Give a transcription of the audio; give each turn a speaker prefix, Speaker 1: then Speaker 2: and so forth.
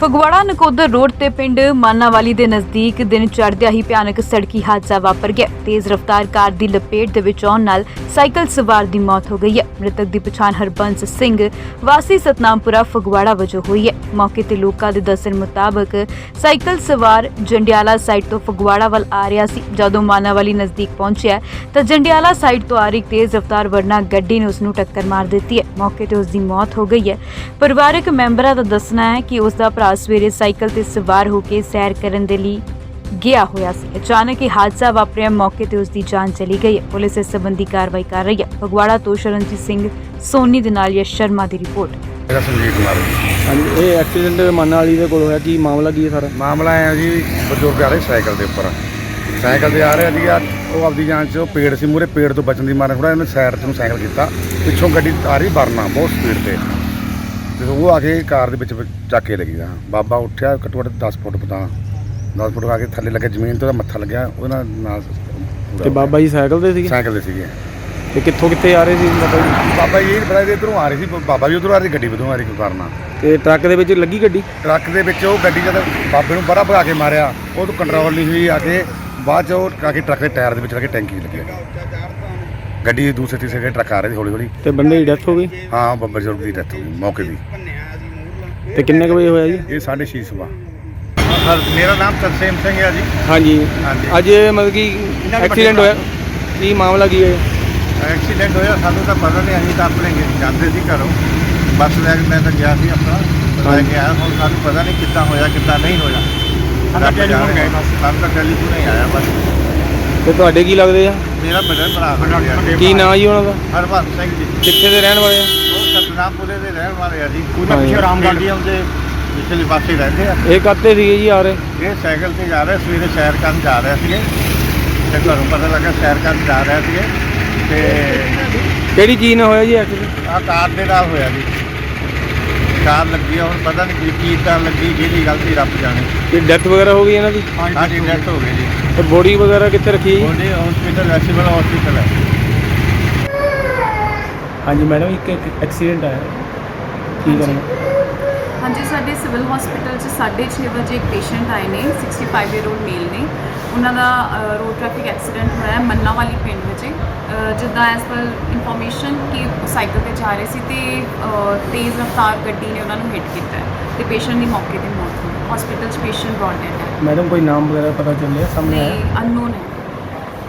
Speaker 1: Phagwara Nakodar road ਤੇ ਪਿੰਡ ਮਾਨਾਵਾਲੀ ਦੇ ਨਜ਼ਦੀਕ ਦਿਨ ਚੜ੍ਹਦਿਆਂ ਹੀ ਭਿਆਨਕ ਸੜਕੀ ਹਾਦਸਾ ਵਾਪਰ ਗਿਆ। ਤੇਜ਼ ਰਫ਼ਤਾਰ ਕਾਰ ਦੀ ਲਪੇਟ ਦੇ ਵਿੱਚ ਆਉਣ ਨਾਲ ਸਾਈਕਲ ਸਵਾਰ ਦੀ ਮੌਤ ਹੋ ਗਈ ਹੈ। ਮ੍ਰਿਤਕ ਦੀ ਪਛਾਣ ਹਰਬੰਸ ਸਿੰਘ ਵਾਸੀ ਸਤਨਾਮਪੁਰਾ ਫਗਵਾੜਾ ਵਜੋਂ ਹੋਈ ਹੈ। ਮੌਕੇ ਤੇ ਲੋਕਾਂ ਦੇ ਦੱਸਣ ਮੁਤਾਬਕ ਸਾਈਕਲ ਸਵਾਰ ਜੰਡਿਆਲਾ ਸਾਈਡ ਤੋਂ ਫਗਵਾੜਾ ਵੱਲ ਆ ਰਿਹਾ ਸੀ। ਜਦੋਂ ਮਾਨਾਵਾਲੀ ਨਜ਼ਦੀਕ ਪਹੁੰਚਿਆ ਤਾਂ ਜੰਡਿਆਲਾ ਸਾਈਡ ਤੋਂ ਆ ਰਹੀ ਤੇਜ਼ ਰਫ਼ਤਾਰ ਵਰਨਾ ਗੱਡੀ ਨੇ ਉਸ ਨੂੰ ਟੱਕਰ ਮਾਰ ਦਿੱਤੀ ਹੈ। ਮੌਕੇ ਤੇ ਉਸ ਦੀ ਮੌਤ ਹੋ ਗਈ ਹੈ। ਪਰਿਵਾਰਕ ਮੈਂਬਰਾਂ ਦਾ ਦੱਸਣਾ ਹੈ ਕਿ ਉਸ ਦਾ ਭਰਾ ਸਵੇਰੇ ਸਾਈਕਲ ਤੇ ਸਵਾਰ ਹੋ ਕੇ ਸੈਰ ਕਰਨ ਦੇ ਲਈ ਗਿਆ ਹੋਇਆ ਸੀ। ਅਚਾਨਕ ਇਹ ਹਾਦਸਾ ਵਾਪਰਿਆ। ਮੌਕੇ ਤੇ ਉਸ ਦੀ ਜਾਨ ਚਲੀ ਗਈ ਹੈ। ਪੁਲਿਸ ਇਸ ਸੰਬੰਧੀ ਕਾਰਵਾਈ ਕਰ ਰਹੀ ਹੈ। ਫਗਵਾੜਾ ਤੋਂ ਸ਼ਰਨਜੀਤ ਸਿੰਘ ਸੋਨੀ ਦੇ ਨਾਲ ਯਸ਼ ਸ਼ਰਮਾ ਦੀ ਰਿਪੋਰਟ।
Speaker 2: ਮੇਰਾ ਸੰਜੀਤ ਕੁਮਾਰ
Speaker 3: ਹਾਂਜੀ, ਇਹ ਐਕਸੀਡੈਂਟ ਮਾਨਾਵਾਲੀ ਦੇ ਕੋਲ ਹੋਇਆ। ਕੀ ਮਾਮਲਾ ਕੀ ਹੈ ਸਾਰਾ?
Speaker 2: ਮਾਮਲਾ ਆਇਆ ਜੀ, ਬਜ਼ੁਰਗ ਆ ਰਹੇ ਸਾਈਕਲ ਦੇ ਉੱਪਰ, ਸਾਈਕਲ ਤੇ ਆ ਰਿਹਾ ਸੀਗਾ। ਉਹ ਆਪਦੀ ਜਾਨ 'ਚ ਪੇੜ ਸੀ, ਮੂਹਰੇ ਪੇੜ ਤੋਂ ਬਚਣ ਦੀ ਮਾਰੇ ਥੋੜ੍ਹਾ ਇਹਨੇ ਸਾਈਡ ਤੋਂ ਸਾਈਕਲ ਕੀਤਾ। ਪਿੱਛੋਂ ਗੱਡੀ ਆ ਰਹੀ ਵਰਨਾ ਬਹੁਤ ਸਪੀਡ ਤੇ ਉਹ ਆ ਕੇ ਕਾਰ ਦੇ ਵਿੱਚ ਚੱਕ ਕੇ ਲੱਗੀ। ਬਾਬਾ ਉੱਠਿਆ, ਘੱਟੋ ਘੱਟ 10 ਫੁੱਟ ਪਤਾ 10 ਫੁੱਟ ਆ ਕੇ ਥੱਲੇ ਲੱਗੇ ਜ਼ਮੀਨ ਤੇ ਉਹਦਾ ਮੱਥਾ ਲੱਗਿਆ। ਉਹਦੇ ਨਾਲ
Speaker 3: ਤੇ ਬਾਬਾ ਜੀ ਸਾਈਕਲ ਤੇ ਸੀਗੇ?
Speaker 2: ਸਾਈਕਲ ਦੇ ਸੀਗੇ।
Speaker 3: ਤੇ ਕਿੱਥੇ ਆ ਰਹੇ ਸੀ ਬਾਬਾ ਜੀ?
Speaker 2: ਬਾਬਾ ਜੀ ਇਹ ਪਤਾ ਇੱਧਰੋਂ ਆ ਰਹੀ ਸੀ, ਬਾਬਾ ਵੀ ਉੱਧਰੋਂ ਆ ਰਹੀ, ਗੱਡੀ ਉੱਧਰੋਂ ਆ ਰਹੀ ਕੋਈ ਕਾਰਨ।
Speaker 3: ਤੇ ਟਰੱਕ ਦੇ ਵਿੱਚ ਲੱਗੀ ਗੱਡੀ?
Speaker 2: ਟਰੱਕ ਦੇ ਵਿੱਚ ਉਹ ਗੱਡੀ ਜਦ ਬਾਬੇ ਨੂੰ ਬੜਾ ਭਗਾ ਕੇ ਮਾਰਿਆ, ਉਹ ਤੋਂ ਕੰਟਰੋਲ ਨਹੀਂ ਹੋਈ। ਆ ਕੇ ਬਾਅਦ 'ਚ ਉਹ ਆ ਕੇ ਟਰੱਕ ਦੇ ਟਾਇਰ ਦੇ ਵਿੱਚ ਲੱਗੇ, ਟੈਂਕੀ ਲੱਗਿਆ। ਗੱਡੀ ਦੂਸਰੇ ਤੀਸਰੇ ਟਰੱਕ ਆ ਰਹੇ ਸੀ ਹੌਲੀ ਹੌਲੀ।
Speaker 3: ਤੇ ਬੰਦੇ ਦੀ ਡੈਥ ਹੋ ਗਈ?
Speaker 2: ਹਾਂ, ਬਜ਼ੁਰਗ ਦੀ ਡੈਥ ਹੋ ਗਈ ਮੌਕੇ ਦੀ।
Speaker 3: ਤੇ ਕਿੰਨੇ ਕੁ ਵਜੇ ਹੋਇਆ ਜੀ?
Speaker 2: ਇਹ 6:30 ਸੁਬਾ।
Speaker 4: ਮੇਰਾ ਨਾਮ ਤਰਸੇਮ ਸਿੰਘ ਹੈ ਜੀ।
Speaker 3: ਹਾਂਜੀ,
Speaker 4: ਹਾਂਜੀ।
Speaker 3: ਅੱਜ ਮਤਲਬ ਕਿ ਐਕਸੀਡੈਂਟ ਹੋਇਆ, ਕੀ ਮਾਮਲਾ ਕੀ ਹੈ?
Speaker 4: ਐਕਸੀਡੈਂਟ ਹੋਇਆ, ਸਾਨੂੰ ਤਾਂ ਪਤਾ ਨਹੀਂ। ਅਸੀਂ ਤਾਂ ਆਪਣੇ ਜਾਂਦੇ ਸੀ ਘਰੋਂ, ਬੱਸ ਲੈ ਕੇ ਮੈਂ ਤਾਂ ਗਿਆ ਸੀ ਆਪਣਾ ਲੈ ਕੇ ਆਇਆ। ਹੁਣ ਸਾਨੂੰ ਪਤਾ ਨਹੀਂ ਕਿੱਦਾਂ ਹੋਇਆ ਕਿੱਦਾਂ ਨਹੀਂ ਹੋਇਆ। ਸਾਨੂੰ ਤਾਂ ਟੈਲੀਫੋਨ ਹੀ ਆਇਆ ਬਸ।
Speaker 3: ਤੇ ਤੁਹਾਡੇ ਕੀ ਲੱਗਦੇ ਆ?
Speaker 4: ਮੇਰਾ ਬੜਾ ਭਰਾ
Speaker 3: ਕੀ ਨਾਂ ਜੀ ਉਹਨਾਂ ਦਾ?
Speaker 4: ਹਰਬੰਸ ਸਿੰਘ ਜੀ।
Speaker 3: ਕਿੱਥੇ ਦੇ ਰਹਿਣ ਵਾਲੇ ਆ?
Speaker 4: ਉਹ ਸਤਨਾਮਪੁਰੇ ਦੇ ਰਹਿਣ ਵਾਲੇ ਆ ਜੀ।
Speaker 3: ਹਾਂਜੀ।
Speaker 4: ਪਿੱਛੇ ਰਾਮਗੜ੍ਹ ਜੀ ਆਉਂਦੇ ਪਿਛਲੇ ਪਾਸੇ ਰਹਿੰਦੇ ਆ।
Speaker 3: ਇਹ ਕਾਹਤੇ ਸੀਗੇ ਜੀ ਆ ਰਹੇ?
Speaker 4: ਇਹ ਸਾਈਕਲ ਤੇ ਜਾ ਰਹੇ, ਸਵੇਰੇ ਸੈਰ ਕਰਨ ਜਾ ਰਹੇ ਸੀਗੇ ਤੇ ਘਰੋਂ ਪਤਾ ਲੱਗਾ ਸੈਰ ਕਰਨ ਜਾ ਰਹੇ ਸੀਗੇ ਤੇ
Speaker 3: ਕਿਹੜੀ ਚੀਜ਼ ਨਾਲ ਹੋਇਆ ਜੀ ਐਕਸੀਡੈਂਟ?
Speaker 4: ਆਹ ਕਾਰ ਦੇ ਨਾਲ ਹੋਇਆ ਜੀ। ਕਾਰ ਲੱਗੀ ਆ, ਹੁਣ ਪਤਾ ਨਹੀਂ ਕੀ ਕਾਰ ਲੱਗੀ, ਕਿਹਦੀ ਗਲਤੀ ਰੱਬ ਜਾਣੇ।
Speaker 3: ਕੀ ਡੈਥ ਵਗੈਰਾ ਹੋ ਗਈ ਇਹਨਾਂ ਦੀ?
Speaker 4: ਹਾਂਜੀ, ਡੈਥ ਹੋ ਗਈ ਜੀ।
Speaker 3: ਤੇ ਬੋਡੀ ਵਗੈਰਾ ਕਿੱਥੇ ਰੱਖੀ ਜੀ?
Speaker 4: ਉਹਦੇ ਹਸਪੀਟਲ ਸਿਵਲ ਹਸਪੀਟਲ ਹੈ।
Speaker 3: ਹਾਂਜੀ ਮੈਡਮ, ਇੱਕ ਐਕਸੀਡੈਂਟ ਆਇਆ, ਕੀ ਕਰਨਾ?
Speaker 5: ਹਾਂਜੀ, ਸਾਡੇ ਸਿਵਲ ਹਸਪੀਟਲ 'ਚ 6:30 ਵਜੇ ਇੱਕ ਪੇਸ਼ੈਂਟ ਆਏ ਨੇ, 65 ਈਅਰ ਓਲਡ ਮੇਲ ਨੇ। ਉਹਨਾਂ ਦਾ ਰੋਡ ਟ੍ਰੈਫਿਕ ਐਕਸੀਡੈਂਟ ਹੋਇਆ ਮन्नावाली ਪਿੰਡ ਵਿੱਚ। ਜਿੱਦਾਂ ਐਸ ਪਰ ਇਨਫੋਰਮੇਸ਼ਨ ਕਿ ਸਾਈਕਲ ਤੇ ਜਾ ਰਹੇ ਸੀ ਤੇ ਤੇਜ਼ ਰਫ਼ਤਾਰ ਗੱਡੀ ਨੇ ਉਹਨਾਂ ਨੂੰ ਹਿੱਟ ਕੀਤਾ ਤੇ ਪੇਸ਼ੈਂਟ ਦੀ ਮੌਕੇ ਤੇ ਮੌਤ ਹੋਈ। ਹਸਪੀਟਲ 'ਚ ਪੇਸ਼ੈਂਟ ਬ੍ਰੌਟ ਡੈਡ ਹੈ।
Speaker 3: ਮੈਡਮ ਕੋਈ ਨਾਮ ਵਗੈਰਾ ਪਤਾ ਚੱਲਿਆ ਸਾਹਮਣੇ ਆਇਆ?
Speaker 5: ਨਹੀਂ, ਅਨਨੋਨ ਹੈ।